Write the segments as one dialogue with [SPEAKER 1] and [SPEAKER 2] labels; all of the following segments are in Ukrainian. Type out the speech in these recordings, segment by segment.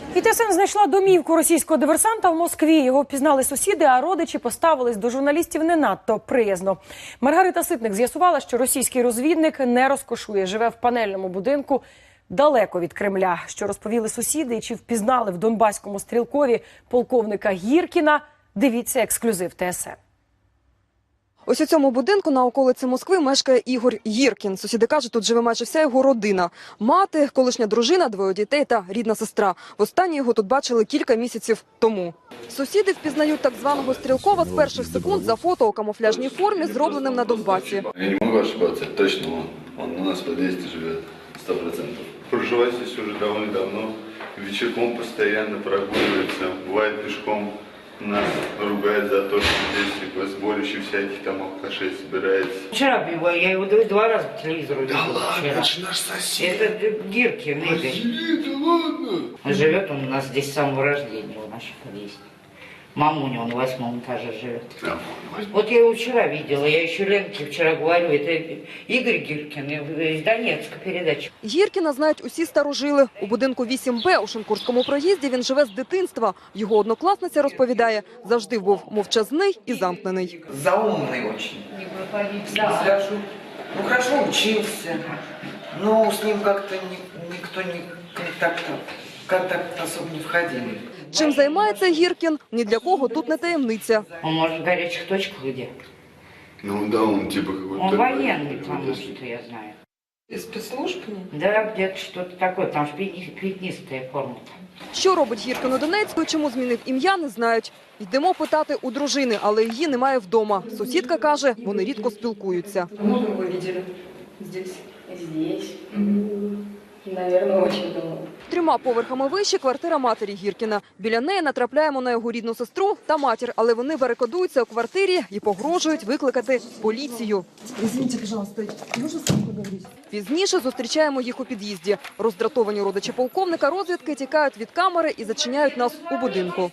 [SPEAKER 1] І ТСН знайшла домівку російського диверсанта в Москві. Його впізнали сусіди, а родичі поставились до журналістів не надто приязно. Маргарита Ситник з'ясувала, що російський розвідник не розкошує, живе в панельному будинку далеко від Кремля. Що розповіли сусіди і чи впізнали в Донбаському Стрілкові полковника Гіркіна, дивіться ексклюзив ТСН.
[SPEAKER 2] Ось у цьому будинку на околиці Москви мешкає Ігор Гіркін. Сусіди кажуть, тут живе майже вся його родина. Мати, колишня дружина, двоє дітей та рідна сестра. Востаннє його тут бачили кілька місяців тому. Сусіди впізнають так званого Стрілкова з перших секунд за фото у камуфляжній формі, зробленим на Донбасі.
[SPEAKER 3] Я не можу ошибатися, точно он у нас в під'їзді живе, 100%. Проживаю здесь уже довольно давно, вечерком постоянно прогуливается, бывает пешком. Нас ругают за то, что здесь сборище всяких там алкашей собирается.
[SPEAKER 4] Вчера я его 2 раза по телевизору видел.
[SPEAKER 3] Да ладно, это же наш сосед.
[SPEAKER 4] Это Гиркин, Игорь.
[SPEAKER 3] Да ладно.
[SPEAKER 4] Живет он у нас здесь с самого рождения, в нашем подъезде. Мамуня, он в 8-м этаже живет.
[SPEAKER 3] Да,
[SPEAKER 4] вот я его вчера видела, я еще Ленке вчера говорю, это Игорь Гиркин из Донецка передача.
[SPEAKER 2] Гіркіна знають усі старожили. У будинку 8Б у Шинкурському проїзді він живе з дитинства. Його однокласниця розповідає, завжди був мовчазний і замкнений.
[SPEAKER 5] Заумный очень. Да. Ну, хорошо учился, но с ним как-то никто не контакт особо не входили.
[SPEAKER 2] Чим займається Гіркін, ні для кого тут не таємниця.
[SPEAKER 4] Он может в горячих точках где?
[SPEAKER 3] Ну да, он типа какой-то...
[SPEAKER 4] Он военный, потому что я знаю.
[SPEAKER 5] Из спецслужб?
[SPEAKER 4] Да, где-то что-то такое, там же пятнистая форма.
[SPEAKER 2] Що робить Гіркін у Донецьку і чому змінив ім'я, не знають. Йдемо питати у дружини, але її немає вдома. Сусідка каже, вони рідко спілкуються.
[SPEAKER 6] Много вы видели здесь? Здесь. Наверное, очень давно.
[SPEAKER 2] 3 поверхами вище квартира матері Гіркіна. Біля неї натрапляємо на його рідну сестру та матір, але вони барикадуються у квартирі і погрожують викликати поліцію.
[SPEAKER 7] Извините, пожалуйста, можно с вами поговорить?
[SPEAKER 2] Пізніше зустрічаємо їх у під'їзді. Роздратовані родичі полковника розвідки тікають від камери і зачиняють нас у будинку.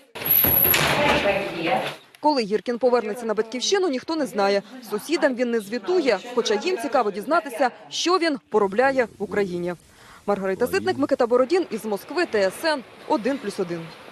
[SPEAKER 2] Коли Гіркін повернеться на батьківщину, ніхто не знає. Сусідам він не звітує, хоча їм цікаво дізнатися, що він поробляє в Україні. Маргарита Ситник, Микита Бородін із Москви, ТСН 1+1.